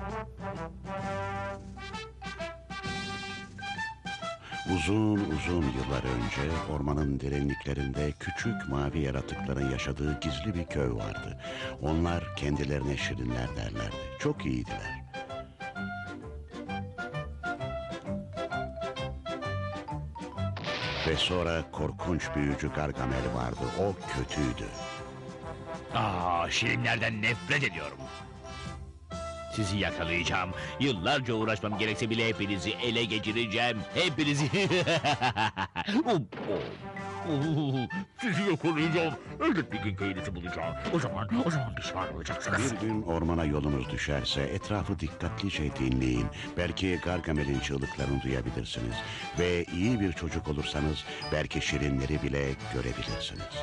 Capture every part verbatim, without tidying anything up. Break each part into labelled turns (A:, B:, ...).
A: Uzun uzun yıllar önce ormanın derinliklerinde küçük mavi yaratıkların yaşadığı gizli bir köy vardı. Onlar kendilerine şirinler derlerdi. Çok iyiydiler. Ve sonra korkunç büyücü Gargamel vardı. O kötüydü.
B: Aa, şirinlerden nefret ediyorum. Sizi yakalayacağım. Yıllarca uğraşmam gerekse bile hepinizi ele geçireceğim. Hepinizi. Oh, oh. Sizi yakalayacağım. Elbet bir gün köyünüzü bulacağım. O zaman, o zaman pişman olacaksınız.
A: Bir gün ormana yolunuz düşerse etrafı dikkatlice dinleyin. Belki Gargamel'in çığlıklarını duyabilirsiniz. Ve iyi bir çocuk olursanız belki şirinleri bile görebilirsiniz.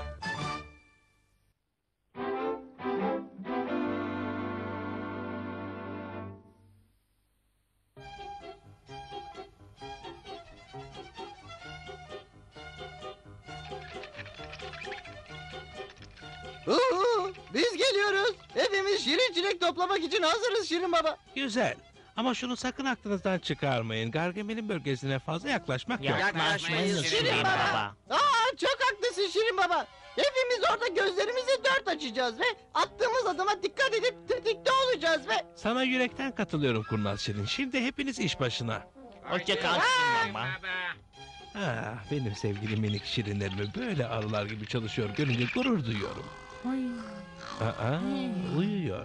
C: Uhu, biz geliyoruz. Hepimiz şirin çilek toplamak için hazırız Şirin Baba.
D: Güzel. Ama şunu sakın aklınızdan çıkarmayın. Gargamel'in bölgesine fazla yaklaşmak yok.
B: Yaklaşmayız
C: Şirin Baba. Aa, çok haklısın Şirin Baba. Hepimiz orada gözlerimizi dört açacağız ve attığımız adıma dikkat edip tetikte olacağız ve...
D: Sana yürekten katılıyorum Kurnaz Şirin. Şimdi hepiniz iş başına.
B: Hoşça kal baba.
D: Ah, benim sevgili minik şirinlerimi böyle arılar gibi çalışıyor görünce gurur duyuyorum. Aa, uyuyor.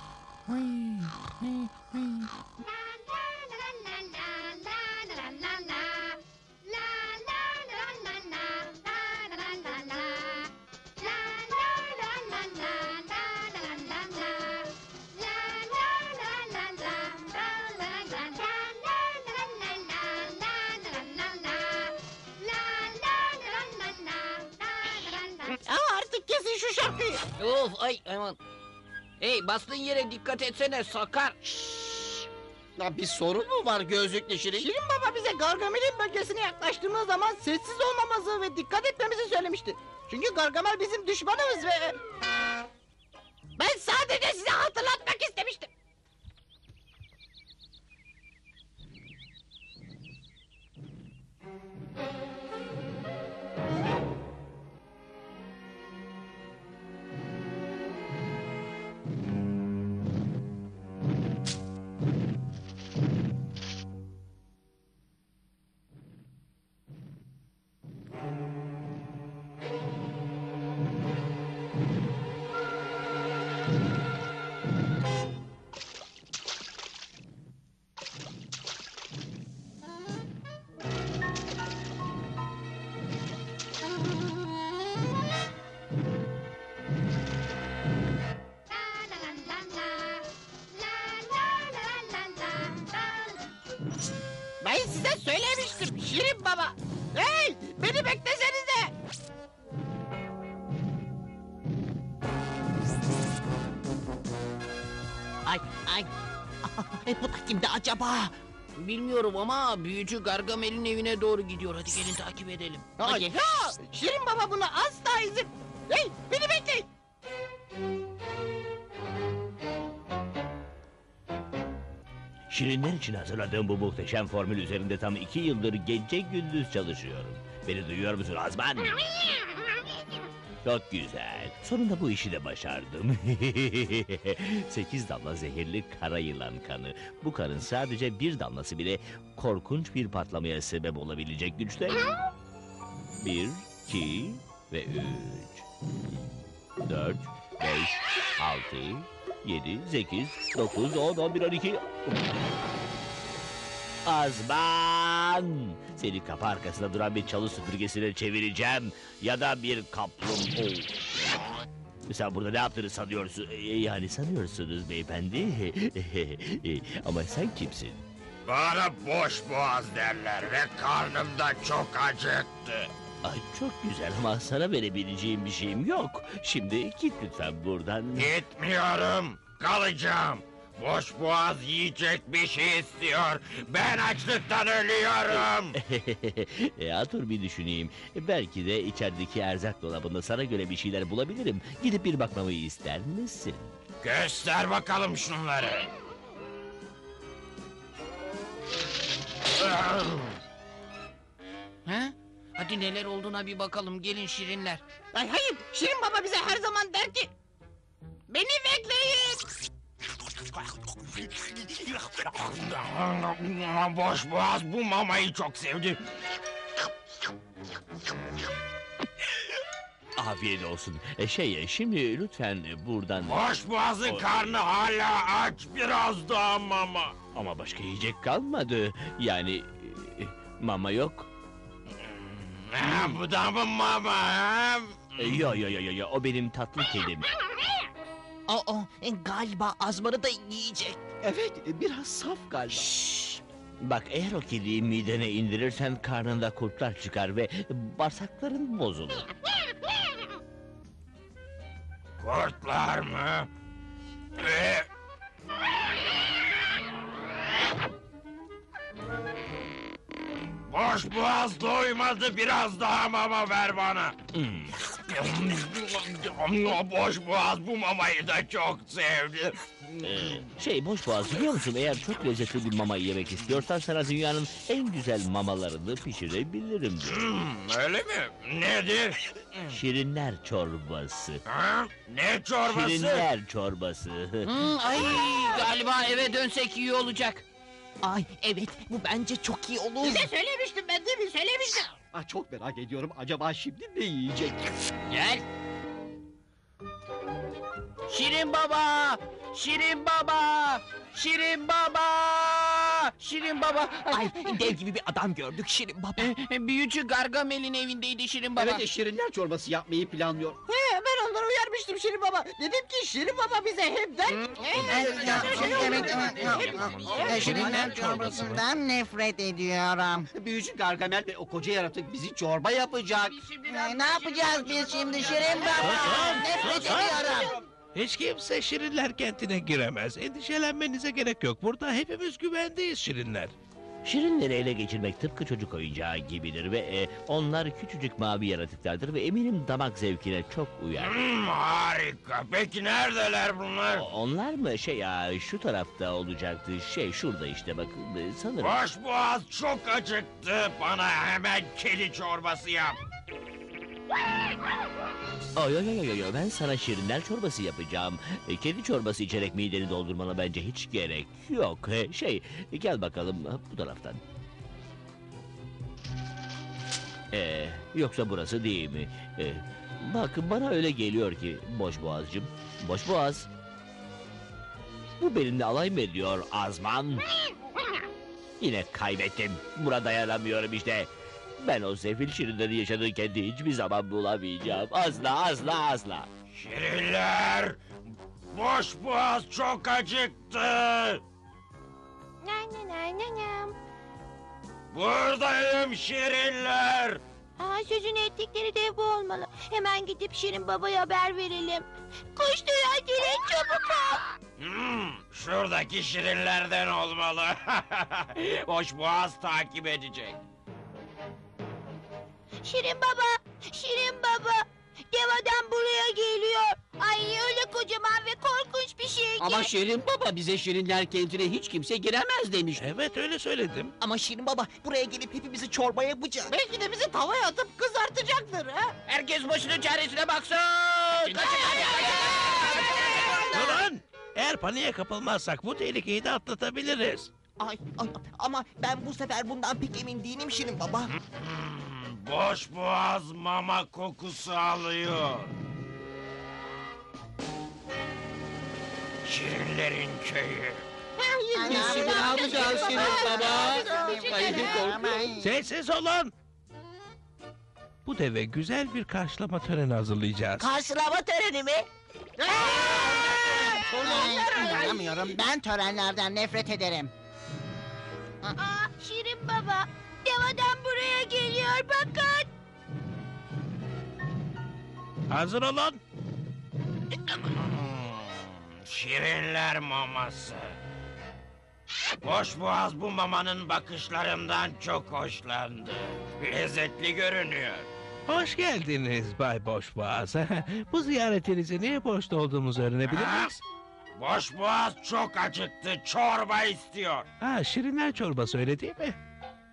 C: Aa, artık kesin şu şarkıyı.
E: Of ay aman. Hey bastığın yere dikkat etsene sakar.
C: Ya bir sorun mu var gözlüklü Şirin? Şirin Baba bize Gargamel'in bölgesine yaklaştığımız zaman sessiz olmamızı ve dikkat etmemizi söylemişti. Çünkü Gargamel bizim düşmanımız ve... Ben sadece size hatırlatmak istemiştim. Ben size söylemiştim Şirin Baba. Hey, beni beklesenize.
E: Ay ay. Bu da kimdi acaba? Bilmiyorum ama büyücü Gargamel'in evine doğru gidiyor. Hadi gelin takip edelim.
C: Ay, ya, Şirin Baba buna asla izin... Hey, beni bekleyin.
B: Şirinler için hazırladığım bu muhteşem formül üzerinde tam iki yıldır gece gündüz çalışıyorum. Beni duyuyor musun Azman? Çok güzel. Sonunda bu işi de başardım. Sekiz damla zehirli kara yılan kanı. Bu kanın sadece bir damlası bile korkunç bir patlamaya sebep olabilecek güçte. Bir, iki ve üç. Dört, beş, altı, yedi, sekiz, dokuz, on, on bir, on iki... Azman! Seni kapı arkasında duran bir çalı süpürgesine çevireceğim. Ya da bir kaplumbağa. Sen burada ne yaptığını sanıyorsun? Ee, Yani sanıyorsunuz beyefendi. Ama sen kimsin?
F: Bana boş boğaz derler ve karnım da çok acıktı.
B: Ay çok güzel ama sana verebileceğim bir şeyim yok. Şimdi git lütfen buradan.
F: Gitmiyorum, kalacağım. Boş boğaz yiyecek bir şey istiyor. Ben açlıktan ölüyorum.
B: Ya dur bir düşüneyim. Belki de içerideki erzak dolabında sana göre bir şeyler bulabilirim. Gidip bir bakmamı ister misin?
F: Göster bakalım şunları.
E: Ha? Hadi neler olduğuna bir bakalım. Gelin şirinler.
C: Ay hayır, Şirin Baba bize her zaman der ki... Beni bekleyin.
F: Boş boğaz bu mamayı çok sevdi.
B: Afiyet olsun. E, şey e, şimdi lütfen e, buradan...
F: Boş boğazın karnı hala aç, biraz daha mama.
B: Ama başka yiyecek kalmadı. Yani e, mama yok.
F: Ha, bu da mı mama? Ha?
B: E, yo yo yo yo yo o benim tatlı kedim.
E: Aa, e, galiba Azman'ı da yiyecek.
C: Evet, biraz saf galiba.
B: Şşş! Bak eğer o kediyi midene indirirsen karnında kurtlar çıkar ve bağırsakların bozulur.
F: Kurtlar mı? Ee, Boş boğaz doymadı, biraz daha mama ver bana.
B: Hmm.
F: Boş boğaz bu mamayı da çok sevdi.
B: Ee, şey boş boğaz biliyor musun? Eğer çok lezzetli bir mama yemek istiyorsan sana dünyanın en güzel mamalarını pişirebilirim.
F: Hmm, öyle mi? Nedir?
B: Şirinler çorbası.
F: Ha? Ne çorbası?
B: Şirinler çorbası.
E: Hmm, ay, galiba eve dönsek iyi olacak. Ay evet, bu bence çok iyi olur.
C: Size söylemiştim ben değil mi? Söylemiştim. Ah, çok merak ediyorum. Acaba şimdi ne yiyecek?
E: Gel. Şirin Baba! Şirin Baba! Şirin Baba! Şirin Baba! Ay, dev gibi bir adam gördük Şirin Baba. Büyücü Gargamel'in evindeydi Şirin Baba.
C: Evet, şirinler çorbası yapmayı planlıyor. He, ben onları uyarmıştım Şirin Baba. Dedim ki Şirin Baba bize hep der ki...
G: Evet, şirinler çorbasından nefret ediyorum.
C: Büyücü Gargamel ve o koca yaratık bizi çorba yapacak.
G: Ee, Ne yapacağız biz şimdi Şirin Baba? Nefret ediyorum.
D: Hiç kimse Şirinler kentine giremez. Endişelenmenize gerek yok. Burada hepimiz güvendeyiz Şirinler.
B: Şirinleri ele geçirmek tıpkı çocuk oyuncağı gibidir ve e, onlar küçücük mavi yaratıklardır ve eminim damak zevkine çok uyar.
F: Hmm, harika. Peki neredeler bunlar?
B: O- Onlar mı şey ya şu tarafta olacaktı şey şurada işte bakın e, sanırım.
F: Boş boğaz çok acıktı. Bana hemen kedi çorbası yap.
B: Ay ay ay ay ay, ben sana şirinler çorbası yapacağım. E, kedi çorbası içerek mideni doldurmana bence hiç gerek yok. E, şey gel bakalım ha, bu taraftan. E, yoksa burası değil mi? E, bak bana öyle geliyor ki boş boğazcım. Boş boğaz. Bu benimle alay mı ediyor Azman? Yine kaybettim. Buna dayanamıyorum işte. Ben o sefil şirinlerin yaşadığı kendi hiçbir zaman bulamayacağım. Asla asla asla.
F: Şirinler! Boş boğaz çok acıktı. Buradayım şirinler.
H: Aa, sözünü ettikleri dev bu olmalı. Hemen gidip Şirin Baba'ya haber verelim. Koştur acele çabuk ol.
F: Hmm, şuradaki şirinlerden olmalı. Boş boğaz takip edecek.
H: Şirin Baba, Şirin Baba. Dev adam buraya geliyor. Ay öyle kocaman ve korkunç bir şey ki.
C: Ama Şirin Baba bize şirinler kentine hiç kimse giremez demiş.
D: Evet öyle söyledim.
E: Ama Şirin Baba buraya gelip hepimizi çorba yapacak.
C: Belki de bizi tavaya atıp kızartacaktır ha.
E: Herkes başının çaresine baksın.
D: Durun! Eğer paniğe kapılmazsak bu tehlikeyi de atlatabiliriz.
E: Ay, ay, ama ben bu sefer bundan pek emin değilim Şirin Baba.
F: Hmm, boş boğaz mama kokusu alıyor. Şirinlerin köyü.
C: Biz ne yapacağız Şirin Baba? Ay, korkuyorum.
D: Sessiz olun! Bu deve güzel bir karşılama töreni hazırlayacağız.
H: Karşılama töreni mi?
G: Ay, inanamıyorum. Ben törenlerden nefret ederim.
H: Aa, Şirin Baba. Dev adam buraya geliyor bakın.
D: Hazır olun!
F: Hmm, şirinler maması. Boş boğaz bu mamanın bakışlarından çok hoşlandı. Lezzetli görünüyor.
D: Hoş geldiniz Bay Boşboğaz. Bu ziyaretinizi niye boşta olduğumuzu öğrenebilir miyiz?
F: Boş boğaz çok acıktı, çorba istiyor.
D: Ha, şirinler çorbası öyle değil mi?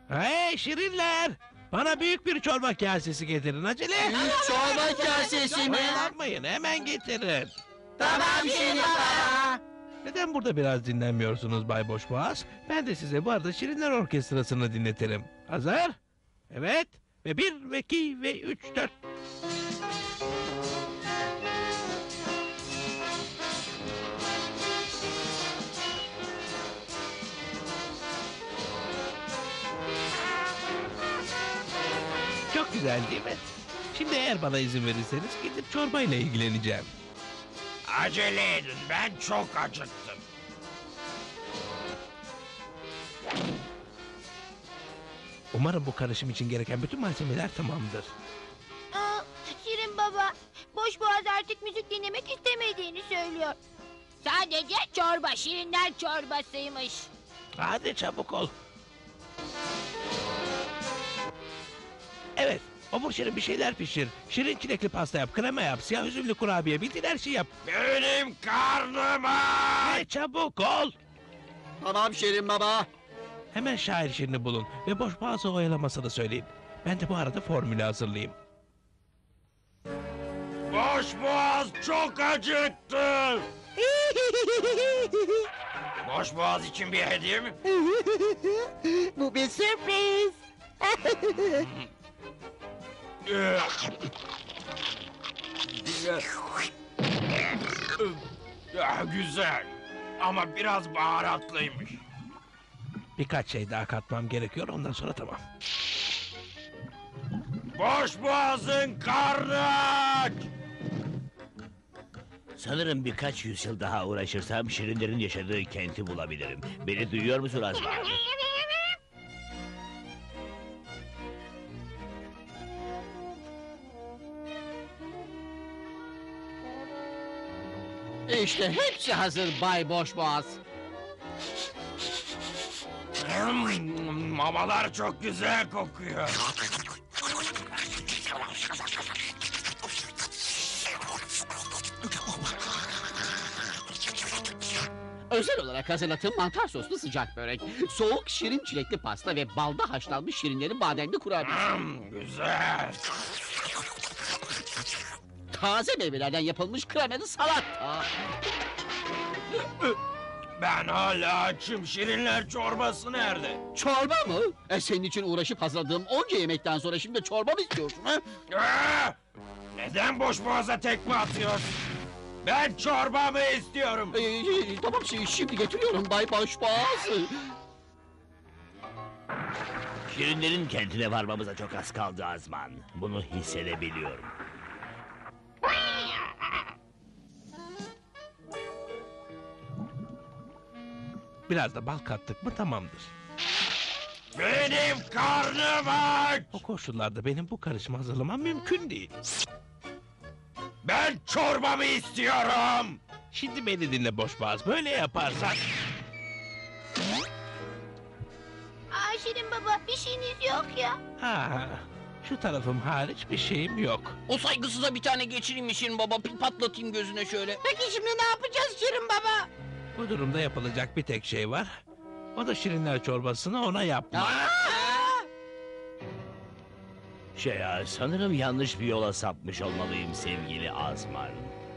D: Hey şirinler! Bana büyük bir çorba kasesi getirin acele.
C: Çorba kasesi mi?
D: Oyalanmayın hemen getirin.
G: Tamam Şirin Baba.
D: Neden burada biraz dinlenmiyorsunuz Bay Boşboğaz? Ben de size bu arada Şirinler Orkestrası'nı dinletirim. Hazır? Evet. Ve bir, ve iki, ve üç, dört. Çok güzel değil mi? Şimdi eğer bana izin verirseniz gidip çorbayla ilgileneceğim.
F: Acele edin, ben çok acıktım.
D: Umarım bu karışım için gereken bütün malzemeler tamamdır.
H: Aa, Şirin baba, boş boğaz artık müzik dinlemek istemediğini söylüyor. Sadece çorba, şirinler çorbasıymış.
D: Hadi çabuk ol. Evet, obur şirin bir şeyler pişir. Şirin çilekli pasta yap, krema yap, siyah üzümlü kurabiye, bildiğin her şeyi yap.
F: Benim karnım aç!
D: Ve çabuk ol.
C: Tamam Şirin Baba.
D: Hemen şair şirini bulun ve boş boğazı oyalamasını söyleyin. Ben de bu arada formülü hazırlayayım.
F: Boş boğaz çok acıktı. Boş boğaz için bir hediye mi?
G: Bu bir sürpriz.
F: Ah, güzel. Ama biraz baharatlıymış.
D: Birkaç şey daha katmam gerekiyor, ondan sonra tamam.
F: Boş boğazın karnı aç!
B: Sanırım birkaç yüzyıl daha uğraşırsam şirinlerin yaşadığı kenti bulabilirim. Beni duyuyor musun Azman?
C: İşte hepsi hazır Bay Boşboğaz.
F: Hmm, mamalar çok güzel kokuyor.
C: Özel olarak hazırladığım mantar soslu sıcak börek, soğuk şirin çilekli pasta ve balda haşlanmış şirinlerin bademli kurabiyesi.
F: Hmm, güzel.
C: Taze meyvelerden yapılmış kremalı salata.
F: Ben hala açım. Şirinler çorbası nerede?
C: Çorba mı? E senin için uğraşıp hazırladığım onca yemekten sonra şimdi çorba mı istiyorsun ha?
F: Aa! Neden boş boğaza tekme atıyorsun? Ben çorbamı istiyorum.
C: Ee, tamam şi- şimdi getiriyorum Bay Boşboğaz.
B: Şirinlerin kentine varmamıza çok az kaldı Azman. Bunu hissedebiliyorum.
D: Biraz da bal kattık mı tamamdır.
F: Benim karnım aç.
D: O koşullarda benim bu karışımı hazırlamam mümkün değil.
F: Ben çorbamı istiyorum.
D: Şimdi beni dinle boşboğaz, böyle yaparsan...
H: Aa Şirin baba, bir şeyiniz yok ya.
D: Ha, şu tarafım hariç bir şeyim yok.
E: O saygısıza bir tane geçireyim mi Şirin Baba? Pil patlatayım gözüne şöyle.
G: Peki şimdi ne yapacağız Şirin Baba?
D: Bu durumda yapılacak bir tek şey var. O da şirinler çorbasını ona yapma.
B: Şey ya, sanırım yanlış bir yola sapmış olmalıyım sevgili Azman.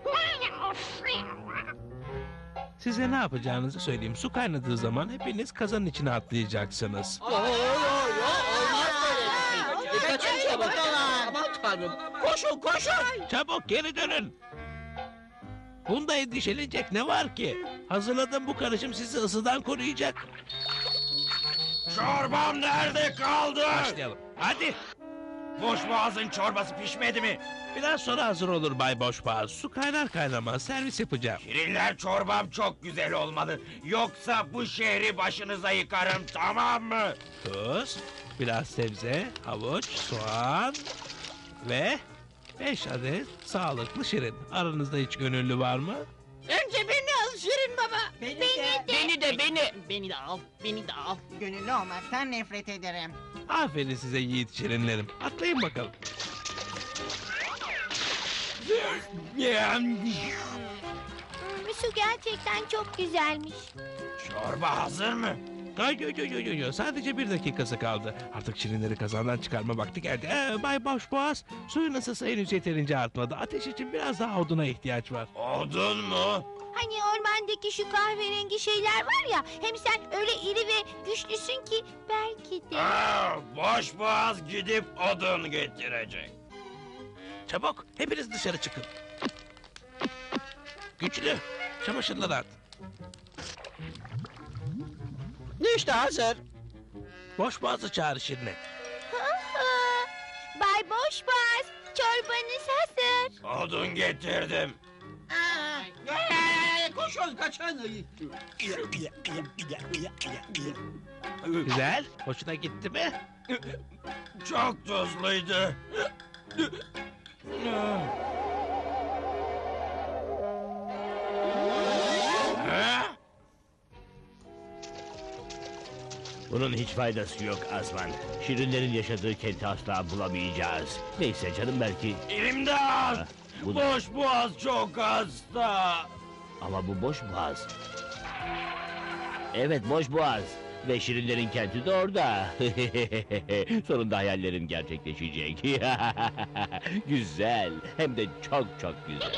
D: Size ne yapacağınızı söyleyeyim. Su kaynadığı zaman hepiniz kazanın içine atlayacaksınız.
C: Oo, olmaz böyle. E, kaçın çabuk. Aman tanrım. Koşun koşun.
D: Çabuk geri dönün. Bunda endişelenecek ne var ki? Hazırladığım bu karışım sizi ısıdan koruyacak.
F: Çorbam nerede kaldı?
D: Başlayalım. Hadi.
F: Boş boğazın çorbası pişmedi mi?
D: Biraz sonra hazır olur Bay Boşboğaz. Su kaynar kaynamaz servis yapacağım.
F: Şirinler çorbam çok güzel olmalı. Yoksa bu şehri başınıza yıkarım, tamam mı?
D: Tuz, biraz sebze, havuç, soğan ve beş adet sağlıklı şirin. Aranızda hiç gönüllü var mı?
G: Önce beni al Şirin Baba.
H: Beni de.
E: Beni de beni.
G: Beni de al, beni de al. Gönüllü olmaktan nefret ederim.
D: Aferin size yiğit şirinlerim. Atlayın bakalım.
H: Hmm, su gerçekten çok güzelmiş.
F: Çorba hazır mı?
D: Ay, yo, yo, yo, yo, yo. Sadece bir dakikası kaldı. Artık şirinleri kazandan çıkarma vakti geldi. Ee, Bay Boşboğaz, suyun ısısı henüz yeterince artmadı. Ateş için biraz daha oduna ihtiyaç var.
F: Odun mu?
H: Hani ormandaki şu kahverengi şeyler var ya. Hem sen öyle iri ve güçlüsün ki belki de.
F: Aa, boş boğaz gidip odun getirecek.
D: Çabuk, hepiniz dışarı çıkın. Güçlü, çamaşırları at.
C: İşte hazır.
D: Boşboğaz'ı çağır Şirin'e.
H: Bay Boşboğaz, çorbanız hazır.
F: Odun getirdim.
C: Koşun kaçın.
D: Güzel, hoşuna gitti mi?
F: Çok tuzluydu. Ha?
B: Bunun hiç faydası yok Azman. Şirinlerin yaşadığı kenti asla bulamayacağız. Neyse canım belki.
F: İmdat!
B: Bu da-
F: Boş boğaz çok hasta.
B: Ama bu boş boğaz. Evet boş boğaz. Ve Şirinlerin kenti de orada. Sonunda hayallerim gerçekleşecek. Güzel. Hem de çok çok güzel.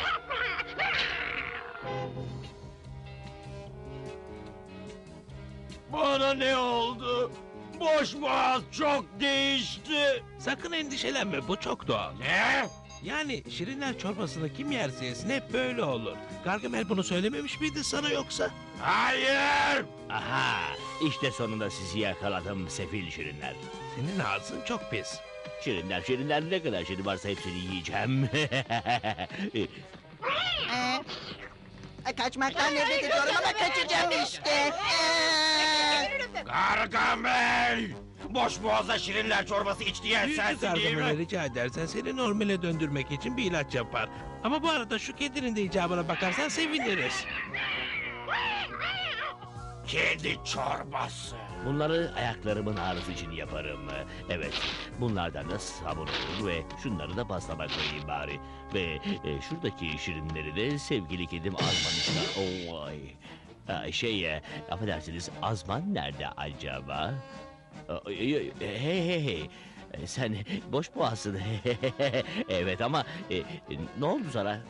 F: Bana ne oldu? Boş boğaz çok değişti.
D: Sakın endişelenme, bu çok doğal.
F: Ne?
D: Yani şirinler çorbasını kim yerse yesin hep böyle olur. Gargamel bunu söylememiş miydi sana yoksa?
F: Hayır!
B: Aha, işte sonunda sizi yakaladım sefil şirinler.
D: Senin ağzın çok pis.
B: Şirinler, şirinler ne kadar şirin varsa hepsini yiyeceğim.
G: Ee, kaçmaktan nefret ediyorum ama kaçacağım işte. Ee,
F: Gargamel! Boş boğaza şirinler çorbası iç diyen
D: Büyücü
F: sensin değil
D: Gargamel'e
F: mi?
D: rica edersen seni normale döndürmek için bir ilaç yapar. Ama bu arada şu kedinin de icabına bakarsan seviniriz.
F: Kedi çorbası.
B: Bunları ayaklarımın ağrısı için yaparım. Evet, bunlardan da sabun olur ve şunları da pastama koyayım bari. Ve e, şuradaki şirinleri de sevgili kedim Azman işte. Oh, ay. Ha, şey, e, affedersiniz Azman nerede acaba? Aa, Hey hey hey. hey. E, Sen boş boğazsın. Evet ama e, e, ne oldu sana?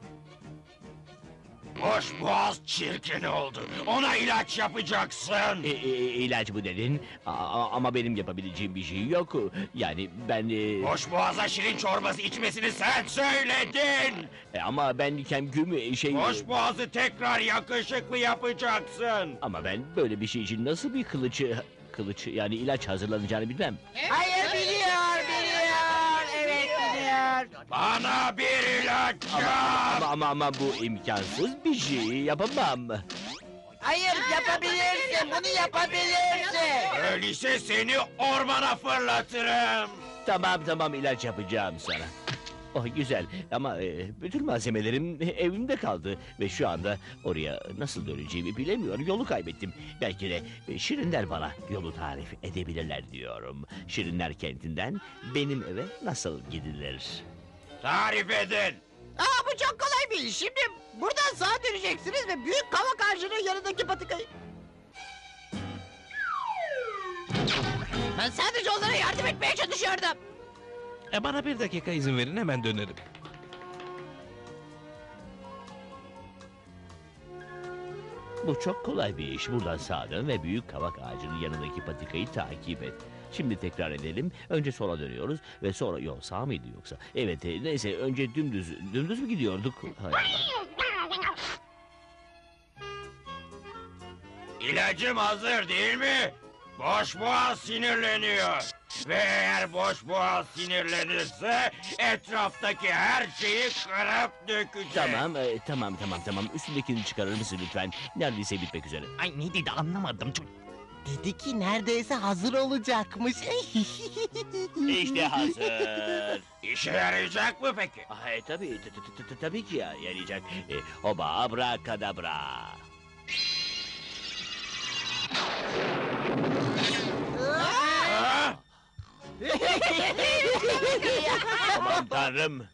F: Boş boğaz çirkin oldu. Ona ilaç yapacaksın.
B: E, e, ilaç mı dedin? A- a- ama benim yapabileceğim bir şey yok. Yani ben... e,
F: Boş boğaza şirin çorbası içmesini sen söyledin.
B: e, ama ben kemküm şey...
F: Boş boğazı tekrar yakışıklı yapacaksın.
B: Ama ben böyle bir şey için nasıl bir kılıç... Kılıç yani ilaç hazırlanacağını bilmem.
G: hayır biliyor, biliyor. Evet biliyor.
F: Bana bir ilaç
B: Ama,
F: yap.
B: ama ama ama bu imkansız bir şey yapamam.
G: Hayır yapabilirsin, bunu yapabilirsin.
F: Öyleyse seni ormana fırlatırım.
B: Tamam tamam ilaç yapacağım sana. Oh güzel ama e, bütün malzemelerim evimde kaldı ve şu anda oraya nasıl döneceğimi bilemiyorum. Yolu kaybettim. Belki de e, Şirinler bana yolu tarif edebilirler diyorum. Şirinler kentinden benim eve nasıl gidilir?
F: Tarif edin.
C: Aa bu çok kolay bir iş. Şimdi buradan sağa döneceksiniz ve büyük kavak ağacının yanındaki patikayı... Ben sadece onlara yardım etmeye çalışıyordum.
D: E bana bir dakika izin verin, hemen dönerim.
B: Bu çok kolay bir iş. Buradan sağa dön ve büyük kavak ağacının yanındaki patikayı takip et. Şimdi tekrar edelim. Önce sola dönüyoruz ve sonra... Yok sağ mıydı yoksa? Evet e, neyse önce dümdüz... Dümdüz mü gidiyorduk? Hay Allah.
F: İlacım hazır değil mi? Boş boğaz sinirleniyor. Ve eğer boş boğaz sinirlenirse etraftaki her şeyi kırıp dökecek.
B: Tamam, e, tamam, tamam, tamam. Üstündekini çıkarır mısın lütfen? Neredeyse bitmek üzere.
E: Ay ne dedi anlamadım.
G: Dedi ki neredeyse hazır olacakmış.
B: İşte hazır.
F: İşe yarayacak mı peki?
B: Ay tabii, t- t- t- t- tabii ki ya, yarayacak. E, Oba abrakadabra.
F: Ha?
B: Aman tanrım.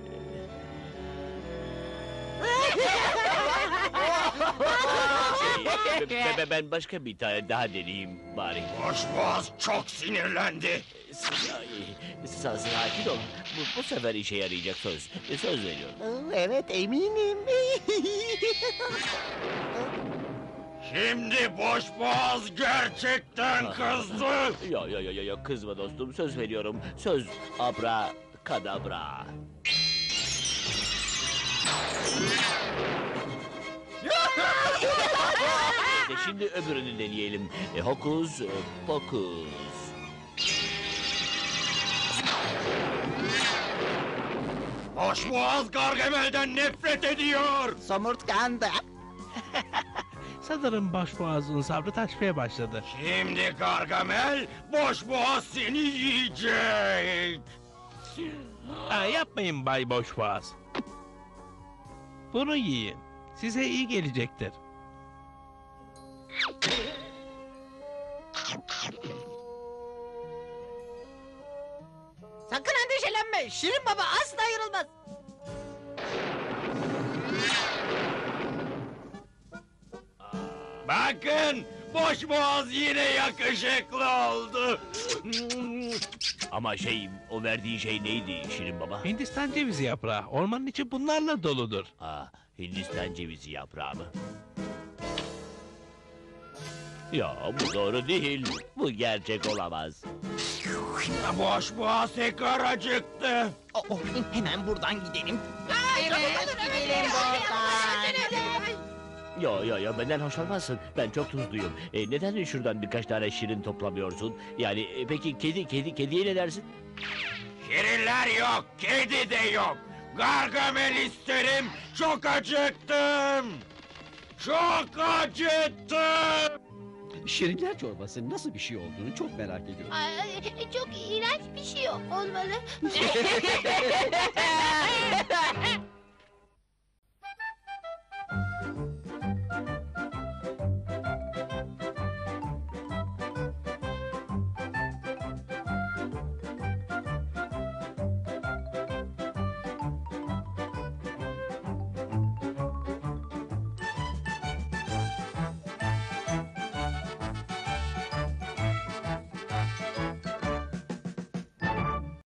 B: Şey, Be- be- ben başka bir tane daha deneyeyim bari.
F: Boşboğaz çok sinirlendi.
B: Sa- sa- Sakin ol. Bu, bu sefer işe yarayacak söz. Söz veriyorum.
C: Evet eminim.
F: Şimdi boşboğaz gerçekten kızdı.
B: Yo yo yo yo yo kızma dostum söz veriyorum. Söz abra kadabra. İşte şimdi öbürünü deneyelim. E, hokus e, pokus.
F: Boşboğaz Gargamel'den nefret ediyor.
C: Somurtkandı.
D: Sanırım başboğazın sabrı taşmaya başladı.
F: Şimdi Gargamel boşboğaz seni yiyecek.
D: Ha, yapmayın Bay Boşboğaz. Bunu yiyin. Size iyi gelecektir.
C: Sakın endişelenme. Şirin Baba asla ayrılmaz.
F: Bakın boşboğaz yine yakışıklı oldu.
B: Ama şey o verdiği şey neydi Şirin Baba?
D: Hindistan cevizi yaprağı. Ormanın içi bunlarla doludur.
B: Aa, Hindistan cevizi yaprağı mı? Ya bu doğru değil. Bu gerçek olamaz.
F: Boşboğaz tekrar acıktı.
C: Oh, oh, hemen buradan gidelim.
G: Evet, gidelim buradan.
B: Yo yo yo benden hoşlanmazsın. Ben çok tuzluyum. E, neden şuradan birkaç tane şirin toplamıyorsun? Yani e, peki kedi kedi kediye ne dersin?
F: Şirinler yok, kedi de yok. Gargamel isterim, çok acıktım. Çok acıktım.
I: Şirinler çorbası nasıl bir şey olduğunu çok merak ediyorum.
H: Ay, çok iğrenç bir şey olmalı.